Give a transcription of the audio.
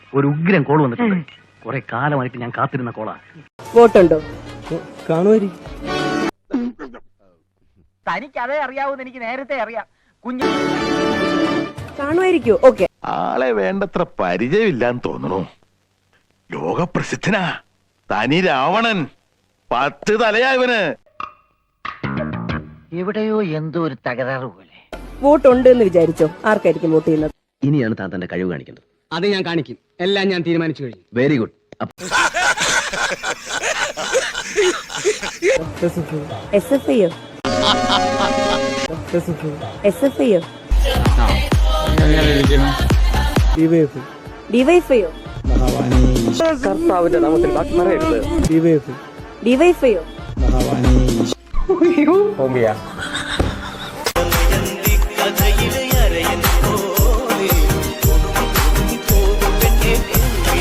ഒരു ഉഗ്രൻ കോൾ വന്നിട്ടുണ്ട്. കുറെ കാലമായിട്ട് ഞാൻ കാത്തിരുന്ന കോളാ. വോട്ടുണ്ടോ? കാണുമായിരിക്കും. തനിക്ക് അതേ അറിയാവൂന്ന് എനിക്ക് നേരത്തെ അറിയാം. കുഞ്ഞു കാണുമായിരിക്കോ? ഓക്കെ. ആളെ വേണ്ടത്ര പരിചയമില്ലാന്ന് തോന്നുന്നു. ലോകപ്രസിദ്ധനാ തനി രാവണൻ. 10 തലയാ ഇവന്. എവിടെയോ എന്തോ ഒരു തകരാറ് പോലെ. വോട്ടുണ്ട് എന്ന് വിചാരിച്ചോ? ആർക്കായിരിക്കും വോട്ട് ചെയ്യുന്നത്? ഇനിയാണ് താൻ തന്റെ കഴിവ് കാണിക്കുന്നത്. അത് ഞാൻ കാണിക്കും. എല്ലാം ഞാൻ തീരുമാനിച്ചു കഴിഞ്ഞു. Very good. SFIയോ? SFIയോ? DYFIയോ? DYFIയോ?